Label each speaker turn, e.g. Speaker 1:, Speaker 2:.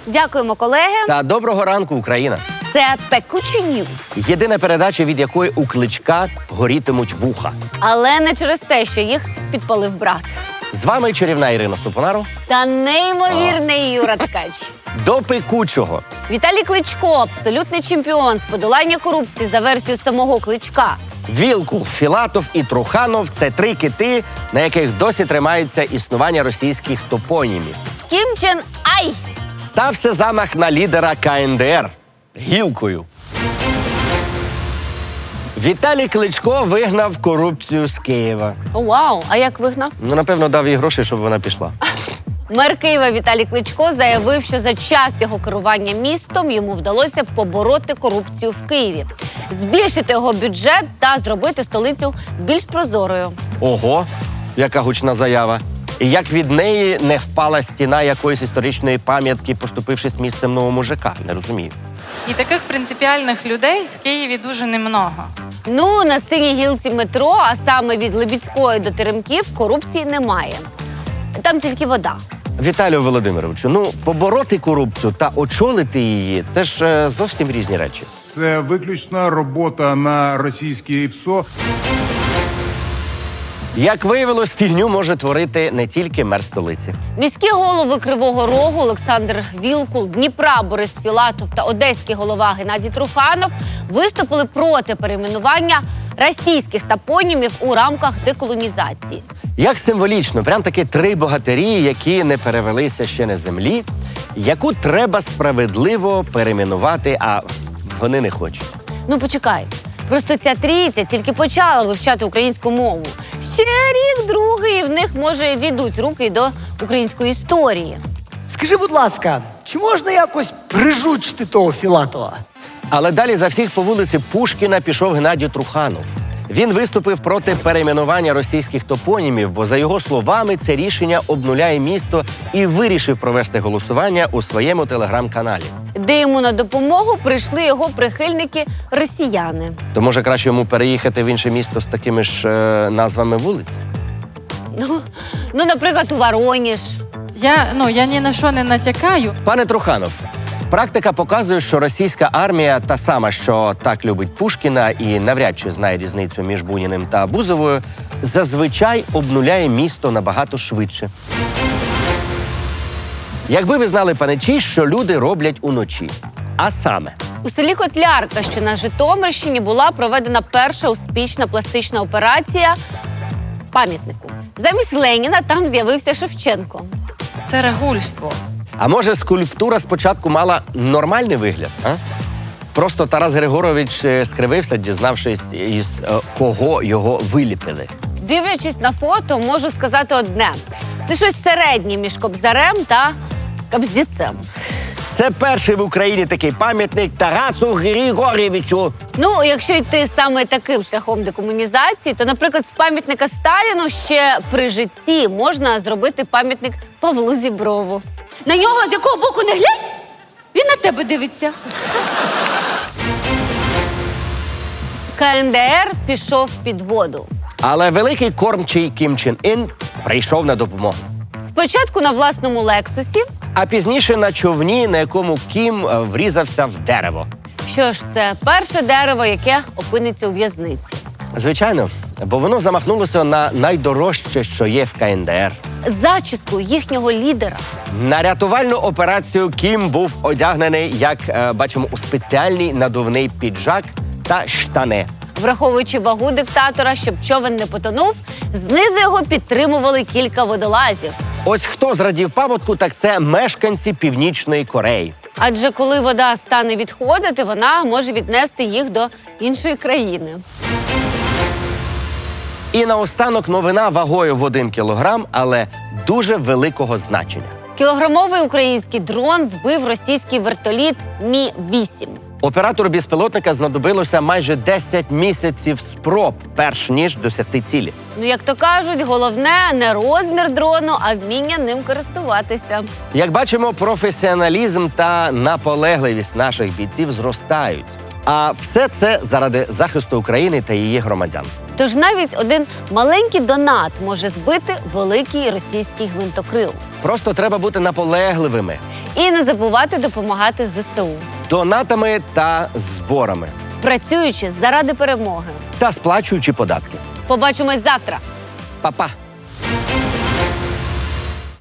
Speaker 1: Дякуємо, колеги.
Speaker 2: Та доброго ранку, Україна.
Speaker 1: Це «Пекучі Ньюз».
Speaker 2: Єдина передача, від якої у Кличка горітимуть вуха.
Speaker 1: Але не через те, що їх підпалив брат.
Speaker 2: З вами чарівна Ірина Супонару.
Speaker 1: Та неймовірний Юра Ткач.
Speaker 2: До пекучого.
Speaker 1: Віталій Кличко – абсолютний чемпіон з подолання корупції за версією самого Кличка.
Speaker 2: Вілкул, Філатов і Труханов – це три кити, на яких досі тримається існування російських топонімів.
Speaker 1: Кім Чен Ай!
Speaker 2: Стався замах на лідера КНДР гілкою. Віталій Кличко вигнав корупцію з Києва.
Speaker 1: О, вау! А як вигнав?
Speaker 2: Напевно, дав їй гроші, щоб вона пішла.
Speaker 1: Мер Києва Віталій Кличко заявив, що за час його керування містом йому вдалося побороти корупцію в Києві, збільшити його бюджет та зробити столицю більш прозорою.
Speaker 2: Ого, яка гучна заява. І як від неї не впала стіна якоїсь історичної пам'ятки, поступившись місцем новому ЖК? Не розумію.
Speaker 3: І таких принципіальних людей в Києві дуже немного.
Speaker 1: Ну, на синій гілці метро, а саме від Лебідської до Теремків, корупції немає. Там тільки вода.
Speaker 2: Віталію Володимировичу, побороти корупцію та очолити її – це ж зовсім різні речі.
Speaker 4: Це виключно робота на російське ПСО.
Speaker 2: Як виявилось, фігню може творити не тільки мер столиці.
Speaker 1: Міські голови Кривого Рогу Олександр Вілкул, Дніпра Борис Філатов та одеський голова Геннадій Труханов виступили проти перейменування російських топонімів у рамках деколонізації.
Speaker 2: Як символічно, прям таки три богатирі, які не перевелися ще на землі, яку треба справедливо перейменувати, а вони не хочуть.
Speaker 1: Ну, почекай. Просто ця трійця тільки почала вивчати українську мову. Ще рік, другий, і в них, може, дійдуть руки до української історії.
Speaker 5: Скажи, будь ласка, чи можна якось прижучити того Філатова?
Speaker 2: Але далі за всіх по вулиці Пушкіна пішов Геннадій Труханов. Він виступив проти перейменування російських топонімів, бо, за його словами, це рішення обнуляє місто і вирішив провести голосування у своєму телеграм-каналі.
Speaker 1: Де йому на допомогу прийшли його прихильники-росіяни.
Speaker 2: То, може, краще йому переїхати в інше місто з такими ж назвами вулиць?
Speaker 1: Ну, наприклад, у Вороніж.
Speaker 3: Я ні на що не натякаю.
Speaker 2: Пане Труханов, практика показує, що російська армія, та сама, що так любить Пушкіна і навряд чи знає різницю між Буніним та Бузовою, зазвичай обнуляє місто набагато швидше. Якби ви знали, паничі, що люди роблять уночі. А саме,
Speaker 1: У селі Котлярка, що на Житомирщині, була проведена перша успішна пластична операція пам'ятнику. Замість Леніна там з'явився Шевченко.
Speaker 3: Це регульство.
Speaker 2: а може скульптура спочатку мала нормальний вигляд, а? Просто Тарас Григорович скривився, дізнавшись, із кого його виліпили.
Speaker 1: Дивлячись на фото, можу сказати одне. Це щось середнє між Кобзарем та Кобздіцем.
Speaker 2: Це перший в Україні такий пам'ятник Тарасу Григорєвичу.
Speaker 1: Ну, якщо йти саме таким шляхом декомунізації, то, наприклад, з пам'ятника Сталіну ще при житті можна зробити пам'ятник Павлу Зіброву. На нього з якого боку не глянь, він на тебе дивиться. КНДР пішов під воду.
Speaker 2: Але великий кормчий Кім Чен Ін прийшов на допомогу.
Speaker 1: Спочатку на власному Лексусі.
Speaker 2: А пізніше на човні, на якому Кім врізався в дерево.
Speaker 1: Що ж, це перше дерево, яке опиниться у в'язниці.
Speaker 2: Звичайно, бо воно замахнулося на найдорожче, що є в КНДР.
Speaker 1: Зачіску їхнього лідера.
Speaker 2: На рятувальну операцію Кім був одягнений, як бачимо, у спеціальний надувний піджак та штани.
Speaker 1: Враховуючи вагу диктатора, щоб човен не потонув, знизу його підтримували кілька водолазів.
Speaker 2: Ось хто зрадів паводку, так це мешканці Північної Кореї.
Speaker 1: Адже коли вода стане відходити, вона може віднести їх до іншої країни.
Speaker 2: І наостанок новина вагою в 1 кілограм, але дуже великого значення.
Speaker 1: Кілограмовий український дрон збив російський вертоліт Мі-8.
Speaker 2: Оператору безпілотника знадобилося майже 10 місяців спроб, перш ніж досягти цілі.
Speaker 1: Ну, як то кажуть, головне не розмір дрону, а вміння ним користуватися.
Speaker 2: Як бачимо, професіоналізм та наполегливість наших бійців зростають. А все це заради захисту України та її громадян.
Speaker 1: Тож навіть один маленький донат може збити великий російський гвинтокрил.
Speaker 2: Просто треба бути наполегливими.
Speaker 1: І не забувати допомагати ЗСУ,
Speaker 2: Донатами та зборами.
Speaker 1: працюючи заради перемоги.
Speaker 2: Та сплачуючи податки.
Speaker 1: Побачимось завтра.
Speaker 2: Па-па!